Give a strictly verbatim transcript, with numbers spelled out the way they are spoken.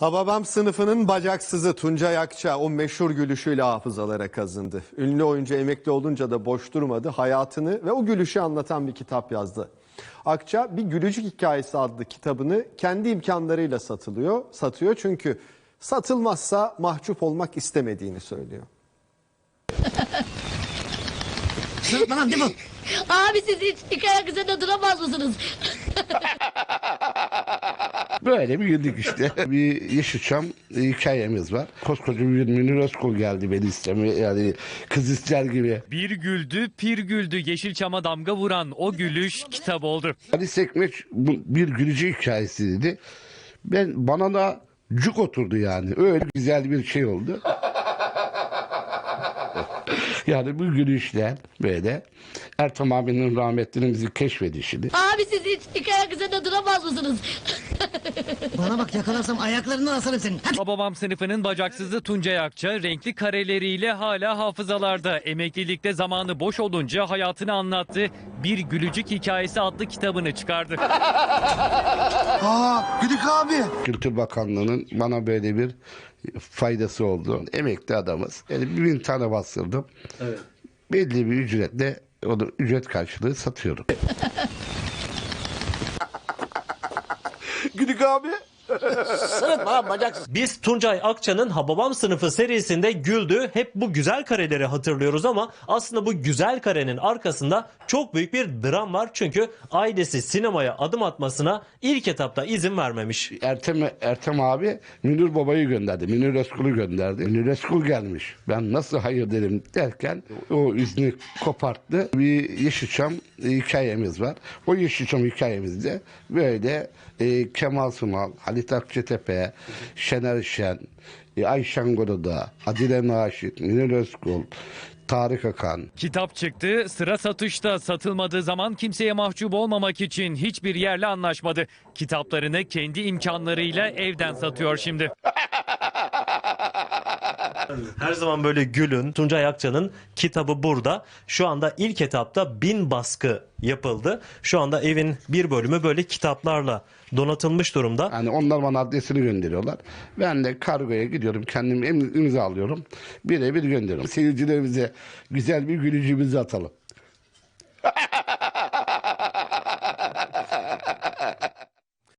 Hababam sınıfının bacaksızı Tuncay Akça o meşhur gülüşüyle hafızalara kazındı. Ünlü oyuncu emekli olunca da boş durmadı. Hayatını ve o gülüşü anlatan bir kitap yazdı. Akça Bir Gülücük Hikayesi adlı kitabını kendi imkanlarıyla satılıyor, satıyor çünkü satılmazsa mahcup olmak istemediğini söylüyor. Sırıtma lan değil mi? Abi siz hiç hikaye üzerinde duramaz mısınız? Böyle bir güldük işte. Bir Yeşilçam hikayemiz var. Koskoca bir Münir Özkul geldi beni istemeye, yani kız ister gibi. Bir güldü, pir güldü. Yeşilçam'a damga vuran o gülüş kitap oldu. Ali Sekmeç bu bir gülücü hikayesi dedi. Ben bana da cuk oturdu yani. Öyle güzel bir şey oldu. Yani bu gülüşler böyle Ertem abinin rahmetlinin bizi keşfedişini. Abi siz hiç hikaye üzerinde duramaz mısınız? Bana bak, yakalarsam ayaklarından asarım senin. Hadi. Hababam sınıfının bacaksızı Tuncay Akça renkli kareleriyle hala hafızalarda. Emeklilikte zamanı boş olunca hayatını anlattı. Bir Gülücük Hikayesi adlı kitabını çıkardı. Aa, Güdük abi. Kültür Bakanlığı'nın bana böyle bir faydası oldu. Emekli adamız. Yani bir bin tane bastırdım. Evet. Belli bir ücretle onu ücret karşılığı satıyorum. Güdük abi. Sırıtma lan bacaksız. Biz Tuncay Akça'nın Hababam Sınıfı serisinde güldü. Hep bu güzel kareleri hatırlıyoruz ama aslında bu güzel karenin arkasında çok büyük bir dram var. Çünkü ailesi sinemaya adım atmasına ilk etapta izin vermemiş. Ertem, Ertem abi Münir Baba'yı gönderdi. Münir Özkul'u gönderdi. Münir Özkul gelmiş. Ben nasıl hayır dedim derken o izni koparttı. Bir Yeşilçam hikayemiz var. O Yeşilçam hikayemizde böyle e, Kemal Sunal, Halit Akçatepe, Şener Şen, e, Ayşen Goruda, Adile Naşit, Münir Özkul, Tarık Akan. Kitap çıktı, sıra satışta. Satılmadığı zaman kimseye mahcup olmamak için hiçbir yerle anlaşmadı. Kitaplarını kendi imkanlarıyla evden satıyor şimdi. Her zaman böyle gülün. Tuncay Akça'nın kitabı burada. Şu anda ilk etapta bin baskı yapıldı. Şu anda evin bir bölümü böyle kitaplarla donatılmış durumda. Yani onlar bana adresini gönderiyorlar. Ben de kargoya gidiyorum. Kendim im- imza alıyorum. Birebir gönderiyorum. Seyircilerimize güzel bir gülücüğümüzü atalım.